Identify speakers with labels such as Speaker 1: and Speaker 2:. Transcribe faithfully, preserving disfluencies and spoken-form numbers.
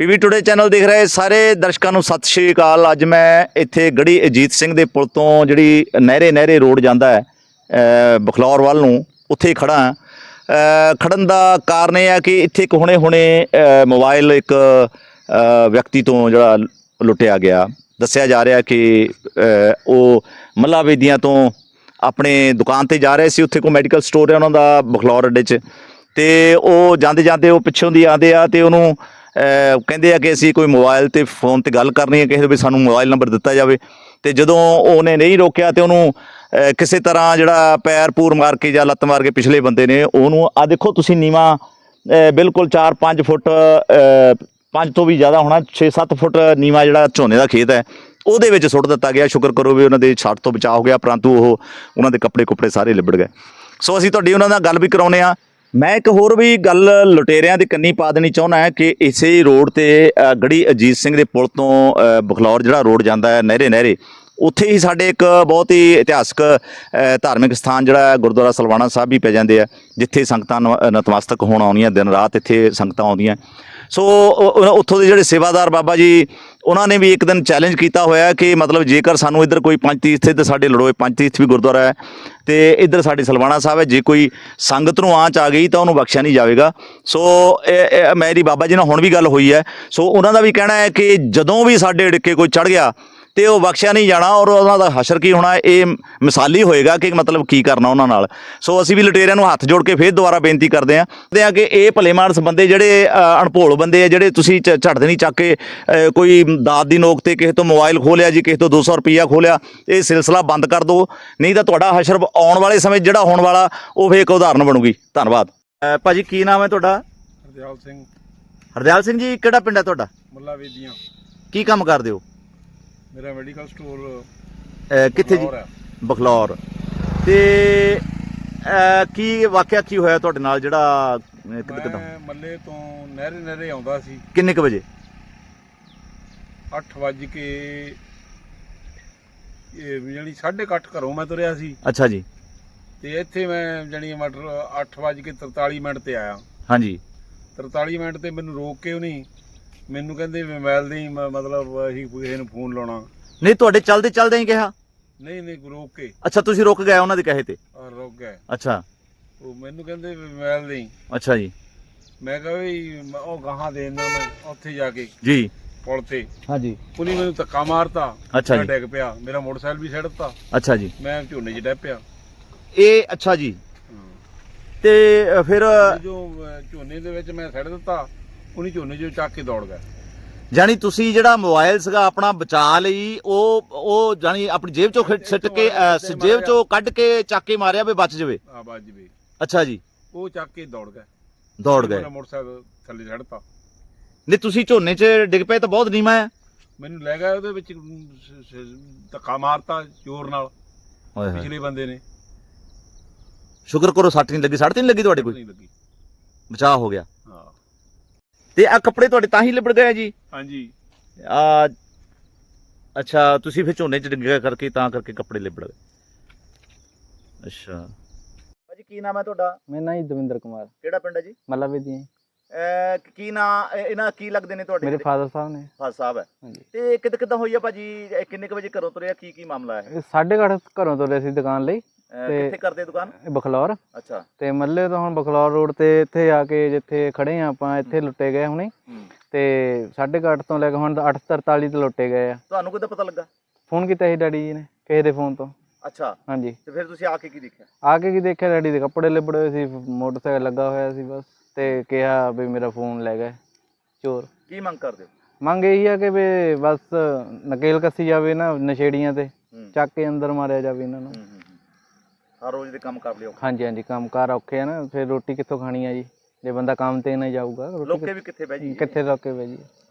Speaker 1: PV today channel ਦੇਖ ਰਹੇ ਸਾਰੇ ਦਰਸ਼ਕਾਂ ਨੂੰ ਸਤਿ ਸ਼੍ਰੀ ਅਕਾਲ। ਅੱਜ ਮੈਂ ਇੱਥੇ ਗੜੀ ਅਜੀਤ ਸਿੰਘ ਦੇ ਪੁਲ ਤੋਂ ਜਿਹੜੀ ਨਹਿਰੇ ਨਹਿਰੇ ਰੋਡ ਜਾਂਦਾ ਹੈ ਬਖਲੌਰ ਵੱਲ ਨੂੰ, ਉੱਥੇ ਹੀ ਖੜਾ ਹਾਂ। ਖੜਨ ਦਾ ਕਾਰਨ ਇਹ ਹੈ ਕਿ ਇੱਥੇ ਇੱਕ ਹੁਣੇ ਹੁਣੇ ਮੋਬਾਈਲ ਇੱਕ ਵਿਅਕਤੀ ਤੋਂ ਜਿਹੜਾ ਲੁੱਟਿਆ ਗਿਆ। ਦੱਸਿਆ ਜਾ ਰਿਹਾ ਕਿ ਉਹ ਮੱਲਾ ਵੇਦੀਆਂ ਤੋਂ ਆਪਣੇ ਦੁਕਾਨ 'ਤੇ ਜਾ ਰਹੇ ਸੀ। ਉੱਥੇ ਕੋਈ ਮੈਡੀਕਲ ਸਟੋਰ ਹੈ ਉਹਨਾਂ ਦਾ ਬਖਲੌਰ ਅੱਡੇ 'ਚ, ਅਤੇ ਉਹ ਜਾਂਦੇ ਜਾਂਦੇ ਉਹ ਪਿੱਛੋਂ ਦੀ ਆਉਂਦੇ ਆ ਅਤੇ ਉਹਨੂੰ ਕਹਿੰਦੇ ਆ ਕਿ ਅਸੀਂ ਕੋਈ ਮੋਬਾਈਲ 'ਤੇ ਫੋਨ 'ਤੇ ਗੱਲ ਕਰਨੀ ਹੈ, ਕਿਸੇ ਵੀ ਸਾਨੂੰ ਮੋਬਾਈਲ ਨੰਬਰ ਦਿੱਤਾ ਜਾਵੇ। ਅਤੇ ਜਦੋਂ ਉਹਨੇ ਨਹੀਂ ਰੋਕਿਆ ਅਤੇ ਉਹਨੂੰ ਕਿਸੇ ਤਰ੍ਹਾਂ ਜਿਹੜਾ ਪੈਰ ਪੂਰ ਮਾਰ ਕੇ ਜਾਂ ਲੱਤ ਮਾਰ ਕੇ ਪਿਛਲੇ ਬੰਦੇ ਨੇ ਉਹਨੂੰ, ਆਹ ਦੇਖੋ ਤੁਸੀਂ, ਨੀਵਾਂ ਬਿਲਕੁਲ ਚਾਰ ਪੰਜ ਫੁੱਟ, ਪੰਜ ਤੋਂ ਵੀ ਜ਼ਿਆਦਾ ਹੋਣਾ, ਛੇ ਸੱਤ ਫੁੱਟ ਨੀਵਾਂ ਜਿਹੜਾ ਝੋਨੇ ਦਾ ਖੇਤ ਹੈ ਉਹਦੇ ਵਿੱਚ ਸੁੱਟ ਦਿੱਤਾ ਗਿਆ। ਸ਼ੁਕਰ ਕਰੋ ਵੀ ਉਹਨਾਂ ਦੇ ਛੱਟ ਤੋਂ ਬਚਾਅ ਹੋ ਗਿਆ, ਪਰੰਤੂ ਉਹ ਉਹਨਾਂ ਦੇ ਕੱਪੜੇ ਕੁੱਪੜੇ ਸਾਰੇ ਲਿਬੜ ਗਏ। ਸੋ ਅਸੀਂ ਤੁਹਾਡੀ ਉਹਨਾਂ ਨਾਲ ਗੱਲ ਵੀ ਕਰਾਉਂਦੇ ਹਾਂ। ਮੈਂ ਇੱਕ ਹੋਰ ਵੀ ਗੱਲ ਲੁਟੇਰਿਆਂ ਦੇ ਕੰਨੀ ਪਾ ਦੇਣੀ ਚਾਹੁੰਦਾ ਹੈ ਕਿ ਇਸੇ ਰੋਡ 'ਤੇ ਗੜੀ ਅਜੀਤ ਸਿੰਘ ਦੇ ਪੁਲ ਤੋਂ ਬਖਲੌਰ ਜਿਹੜਾ ਰੋਡ ਜਾਂਦਾ ਹੈ ਨਹਿਰੇ ਨਹਿਰੇ, ਉੱਥੇ ਹੀ ਸਾਡੇ ਇੱਕ ਬਹੁਤ ਹੀ ਇਤਿਹਾਸਕ ਧਾਰਮਿਕ ਸਥਾਨ ਜਿਹੜਾ ਗੁਰਦੁਆਰਾ ਸਲਵਾਣਾ ਸਾਹਿਬ ਵੀ ਪੈ ਜਾਂਦੇ ਆ, ਜਿੱਥੇ ਸੰਗਤਾਂ ਨਤਮਸਤਕ ਹੋਣ ਆਉਂਦੀਆਂ, ਦਿਨ ਰਾਤ ਇੱਥੇ ਸੰਗਤਾਂ ਆਉਂਦੀਆਂ। ਸੋ ਉੱਥੋਂ ਦੇ ਜਿਹੜੇ ਸੇਵਾਦਾਰ ਬਾਬਾ ਜੀ, ਉਹਨਾਂ ਨੇ ਵੀ ਇੱਕ ਦਿਨ ਚੈਲੰਜ ਕੀਤਾ ਹੋਇਆ ਕਿ ਮਤਲਬ ਜੇਕਰ ਸਾਨੂੰ ਇੱਧਰ ਕੋਈ ਪੰਜ ਤੀਰਥ, ਇੱਧਰ ਸਾਡੇ ਲੜੋਏ ਪੰਜ ਤੀਰਥ ਵੀ ਗੁਰਦੁਆਰਾ ਹੈ ਅਤੇ ਇੱਧਰ ਸਾਡੇ ਸਲਵਾਣਾ ਸਾਹਿਬ ਹੈ, ਜੇ ਕੋਈ ਸੰਗਤ ਨੂੰ ਆਂਚ ਆ ਗਈ ਤਾਂ ਉਹਨੂੰ ਬਖਸ਼ਿਆ ਨਹੀਂ ਜਾਵੇਗਾ। ਸੋ ਮੇਰੀ ਬਾਬਾ ਜੀ ਨਾਲ ਹੁਣ ਵੀ ਗੱਲ ਹੋਈ ਹੈ। ਸੋ ਉਹਨਾਂ ਦਾ ਵੀ ਕਹਿਣਾ ਹੈ ਕਿ ਜਦੋਂ ਵੀ ਸਾਡੇ ਡਿੱਕੇ ਕੋਈ ਚੜ੍ਹ ਗਿਆ ਅਤੇ ਉਹ ਬਖਸ਼ਿਆ ਨਹੀਂ ਜਾਣਾ, ਔਰ ਉਹਨਾਂ ਦਾ ਹਸ਼ਰ ਕੀ ਹੋਣਾ ਇਹ ਮਿਸਾਲੀ ਹੋਏਗਾ ਕਿ ਮਤਲਬ ਕੀ ਕਰਨਾ ਉਹਨਾਂ ਨਾਲ। ਸੋ ਅਸੀਂ ਵੀ ਲੁਟੇਰਿਆਂ ਨੂੰ ਹੱਥ ਜੋੜ ਕੇ ਫਿਰ ਦੁਬਾਰਾ ਬੇਨਤੀ ਕਰਦੇ ਹਾਂ ਕਿ ਇਹ ਭਲੇ ਮਾਨਸ ਬੰਦੇ ਜਿਹੜੇ ਅਣਭੋਲ ਬੰਦੇ ਆ, ਜਿਹੜੇ ਤੁਸੀਂ ਝੱਟ ਨਹੀਂ ਚੱਕ ਕੇ ਕੋਈ ਦਾਤ ਦੀ ਨੋਕ 'ਤੇ ਕਿਸੇ ਤੋਂ ਮੋਬਾਈਲ ਖੋਹ ਲਿਆ ਜੀ, ਕਿਸੇ ਤੋਂ ਦੋ ਸੌ ਰੁਪਈਆ ਖੋਹ ਲਿਆ, ਇਹ ਸਿਲਸਿਲਾ ਬੰਦ ਕਰ ਦਿਓ, ਨਹੀਂ ਤਾਂ ਤੁਹਾਡਾ ਹਸ਼ਰ ਆਉਣ ਵਾਲੇ ਸਮੇਂ ਜਿਹੜਾ ਹੋਣ ਵਾਲਾ ਉਹ ਫਿਰ ਇੱਕ ਉਦਾਹਰਨ ਬਣੂਗੀ। ਧੰਨਵਾਦ। ਭਾਅ ਜੀ ਕੀ ਨਾਮ ਹੈ ਤੁਹਾਡਾ?
Speaker 2: ਹਰਦਿਆਲ ਸਿੰਘ।
Speaker 1: ਹਰਦਿਆਲ ਸਿੰਘ ਜੀ, ਕਿਹੜਾ ਪਿੰਡ ਹੈ ਤੁਹਾਡਾ?
Speaker 2: ਮੱਲਾ ਵੇਦੀਆਂ। ਕੀ
Speaker 1: ਕੰਮ ਕਰਦੇ ਹੋ?
Speaker 2: ਮੇਰਾ ਮੈਡੀਕਲ ਸਟੋਰ
Speaker 1: ਕਿੱਥੇ ਜੀ? ਬਖਲੌਰ। ਅਤੇ ਕੀ ਵਾਕਿਆ ਕੀ ਹੋਇਆ ਤੁਹਾਡੇ ਨਾਲ ਜਿਹੜਾ ਕਿੱਦਾਂ?
Speaker 2: ਮੱਲੇ ਤੋਂ ਨਹਿਰੇ ਨਹਿਰੇ ਆਉਂਦਾ ਸੀ।
Speaker 1: ਕਿੰਨੇ ਕੁ ਵਜੇ?
Speaker 2: ਅੱਠ ਵੱਜ ਕੇ ਜਾਣੀ ਸਾਢੇ ਕੁ ਅੱਠ ਘਰੋਂ ਮੈਂ ਤੁਰਿਆ ਸੀ।
Speaker 1: ਅੱਛਾ ਜੀ।
Speaker 2: ਅਤੇ ਇੱਥੇ ਮੈਂ ਜਾਣੀ ਮਟਰ ਅੱਠ ਵੱਜ ਕੇ ਤਰਤਾਲੀ ਮਿੰਟ 'ਤੇ ਆਇਆ।
Speaker 1: ਹਾਂਜੀ।
Speaker 2: ਤਰਤਾਲੀ ਮਿੰਟ 'ਤੇ ਮੈਨੂੰ ਰੋਕ ਕੇ ਉਹਨੇ ਮੈਨੂੰ ਕਹਿੰਦੇ ਮੋਬਾਈਲ ਦੀ ਮਤਲਬ ਅਸੀਂ ਕਿਸੇ ਨੂੰ ਫੋਨ ਲਾਉਣਾ।
Speaker 1: ਨਹੀਂ, ਤੁਹਾਡੇ ਚੱਲਦੇ ਚੱਲਦੇ ਹੀ ਕਿਹਾ?
Speaker 2: ਨਹੀਂ ਨਹੀਂ, ਰੋਕ ਕੇ।
Speaker 1: ਅੱਛਾ, ਤੁਸੀਂ ਰੁਕ ਗਏ ਉਹਨਾਂ ਦੇ ਕਹੇ ਤੇ?
Speaker 2: ਰੁਕ ਗਏ।
Speaker 1: ਅੱਛਾ।
Speaker 2: ਉਹ ਮੈਨੂੰ ਕਹਿੰਦੇ ਮੋਬਾਈਲ ਦੀ।
Speaker 1: ਅੱਛਾ ਜੀ।
Speaker 2: ਮੈਂ ਕਿਹਾ ਵੀ ਉਹ ਗਾਹਾਂ ਦੇ ਦਿੰਦਾ ਮੈਂ ਉੱਥੇ ਜਾ ਕੇ
Speaker 1: ਜੀ
Speaker 2: ਪੁਲ ਤੇ।
Speaker 1: ਹਾਂਜੀ।
Speaker 2: ਉਹਨੇ ਮੈਨੂੰ ਧੱਕਾ ਮਾਰਤਾ।
Speaker 1: ਅੱਛਾ ਜੀ।
Speaker 2: ਡਿੱਗ ਪਿਆ, ਮੇਰਾ ਮੋਟਰਸਾਈਕਲ ਵੀ ਸਿੱਟ ਦਿੱਤਾ।
Speaker 1: ਅੱਛਾ ਜੀ।
Speaker 2: ਮੈਂ ਝੋਨੇ 'ਚ ਡਿੱਗ ਪਿਆ।
Speaker 1: ਇਹ ਅੱਛਾ ਜੀ। ਤੇ ਫਿਰ
Speaker 2: ਜੋ ਝੋਨੇ ਦੇ ਵਿੱਚ ਮੈਂ ਸਿੱਟ ਦਿੱਤਾ, ਉਹਨੇ ਝੋਨੇ 'ਚੋਂ ਚੱਕ ਕੇ ਦੌੜ ਗਿਆ।
Speaker 1: ਜਾਣੀ ਤੁਸੀਂ ਜਿਹੜਾ ਮੋਬਾਈਲ ਸੀਗਾ ਆਪਣਾ ਬਚਾ ਲਈ, ਉਹ ਉਹ ਜਾਣੀ ਆਪਣੀ ਜੇਬ ਚੋਂ ਸਿੱਟ ਕੇ ਜੇਬ ਚੋਂ ਕੱਢ ਕੇ ਚੱਕ ਕੇ ਮਾਰਿਆ ਵੀ ਬਚ ਜਾਵੇ?
Speaker 2: ਆ ਬਚ ਜਾਵੇ।
Speaker 1: ਅੱਛਾ ਜੀ।
Speaker 2: ਉਹ ਚੱਕ ਕੇ ਦੌੜ ਗਿਆ।
Speaker 1: ਦੌੜ ਗਏ।
Speaker 2: ਮੋਟਰਸਾਈਕਲ ਥੱਲੇ ਛੱਡਤਾ।
Speaker 1: ਨਹੀਂ, ਤੁਸੀਂ ਝੋਨੇ 'ਚ ਡਿੱਗ ਪਏ ਤਾਂ ਬਹੁਤ ਨੀਵਾਂ ਹੈ।
Speaker 2: ਮੈਨੂੰ ਲੈ ਗਿਆ ਉਹਦੇ ਵਿੱਚ, ਧੱਕਾ ਮਾਰਤਾ ਜ਼ੋਰ ਨਾਲ ਪਿਛਲੇ ਬੰਦੇ ਨੇ।
Speaker 1: ਸ਼ੁਕਰ ਕਰੋ ਸੱਟ ਨਹੀਂ ਲੱਗੀ। ਸੱਟ ਨਹੀਂ ਲੱਗੀ ਤੁਹਾਡੇ? ਕੋਈ
Speaker 2: ਨਹੀਂ ਲੱਗੀ,
Speaker 1: ਬਚਾਅ ਹੋ ਗਿਆ।
Speaker 2: ਹਾਂ।
Speaker 1: ਤੇ ਆ ਕੱਪੜੇ ਤੁਹਾਡੇ ਤਾਂ ਹੀ ਲਿਬੜ ਗਏ ਜੀ?
Speaker 2: ਹਾਂਜੀ।
Speaker 1: ਆ ਅੱਛਾ, ਤੁਸੀਂ ਫਿਰ ਝੋਨੇ 'ਚ ਡਿੱਗਿਆ ਕਰਕੇ ਤਾਂ ਕਰਕੇ ਕੱਪੜੇ ਲਿਬੜ ਗਏ। ਅੱਛਾ ਭਾਜੀ, ਕੀ ਨਾਮ ਹੈ ਤੁਹਾਡਾ?
Speaker 3: ਮੇਰਾ ਨਾਮ ਜੀ ਦਵਿੰਦਰ ਕੁਮਾਰ।
Speaker 1: ਕਿਹੜਾ ਪਿੰਡ ਹੈ ਜੀ?
Speaker 3: ਮੱਲਾ ਵੇਦੀਆਂ।
Speaker 1: ਕੀ ਨਾਂ ਇਹਨਾਂ ਕੀ ਲੱਗਦੇ ਨੇ ਤੁਹਾਡੇ?
Speaker 3: ਮੇਰੇ ਫਾਦਰ ਸਾਹਿਬ ਨੇ।
Speaker 1: ਫਾਦਰ ਸਾਹਿਬ ਹੈ।
Speaker 3: ਹਾਂਜੀ।
Speaker 1: ਤੇ ਕਿੱਦਾਂ ਕਿੱਦਾਂ ਹੋਈ ਆ ਭਾਜੀ? ਕਿੰਨੇ ਕੁ ਵਜੇ ਘਰੋਂ ਤੁਰਿਆ? ਕੀ ਕੀ ਮਾਮਲਾ ਹੈ?
Speaker 3: ਸਾਢੇ ਕੁ ਅੱਠ ਘਰੋਂ ਤੁਰੇ ਸੀ ਦੁਕਾਨ ਲਈ।
Speaker 1: ਕਿੱਥੇ ਕਰਦੇ ਦੁਕਾਨ?
Speaker 3: ਬਖਲੌਰ।
Speaker 1: ਅੱਛਾ। ਤੇ
Speaker 3: ਮੱਲੇ ਤੋਂ ਹੁਣ ਬਖਲੌਰ ਰੋਡ ਤੇ ਇੱਥੇ ਆ ਕੇ ਜਿੱਥੇ ਖੜੇ ਆ ਆਪਾਂ, ਇੱਥੇ ਲੁੱਟੇ ਗਏ ਹੁਣੇ। ਤੇ ਸਾਢੇ ਕੁ ਅੱਠ ਤੋਂ ਲੈ ਕੇ ਹੁਣ ਅੱਠ ਤਰਤਾਲੀ ਤੇ ਲੁੱਟੇ ਗਏ ਆ।
Speaker 1: ਤੁਹਾਨੂੰ ਕਿੱਦਾਂ ਪਤਾ ਲੱਗਾ?
Speaker 3: ਫੋਨ ਕੀਤਾ ਸੀ ਡੈਡੀ ਜੀ ਨੇ ਕਿਸੇ ਦੇ ਫੋਨ ਤੋਂ।
Speaker 1: ਅੱਛਾ।
Speaker 3: ਹਾਂਜੀ।
Speaker 1: ਤੇ ਫਿਰ ਤੁਸੀਂ ਆ ਕੇ ਕੀ ਦੇਖਿਆ?
Speaker 3: ਆ ਕੇ ਕੀ ਦੇਖਿਆ, ਡੈਡੀ ਦੇ ਕੱਪੜੇ ਲਿਬੜੇ ਹੋਏ ਸੀ, ਮੋਟਰਸਾਈਕਲ ਲੱਗਾ ਹੋਇਆ ਸੀ ਬਸ। ਤੇ ਕਿਹਾ ਵੀ ਮੇਰਾ ਫੋਨ ਲੈ ਗਏ ਚੋਰ। ਕੀ ਮੰਗ ਕਰਦੇ ਹੋ? ਮੰਗ ਇਹੀ ਆ ਕਿ ਵੀ ਬਸ ਨਕੇਲ ਕੱਸੀ ਜਾਵੇ ਨਾ ਨਸ਼ੇੜੀਆਂ ਤੇ, ਚੱਕ ਕੇ ਅੰਦਰ ਮਾਰਿਆ ਜਾਵੇ ਇਹਨਾਂ ਨੂੰ। ਹਰ ਰੋਜ਼ ਦੇ ਕੰਮ ਕਰ ਲਿਓ। ਹਾਂਜੀ ਹਾਂਜੀ, ਕੰਮ ਕਾਰ ਔਖੇ ਆ ਨਾ, ਫਿਰ ਰੋਟੀ ਕਿੱਥੋਂ ਖਾਣੀ ਆ ਜੀ ਜੇ ਬੰਦਾ ਕੰਮ ਤੇ ਨਾ ਜਾਊਗਾ। ਲੋਕੇ ਵੀ ਕਿੱਥੇ ਬਹਿ ਜੀ? ਕਿੱਥੇ ਲੋਕੇ ਬਹਿ ਜੀ।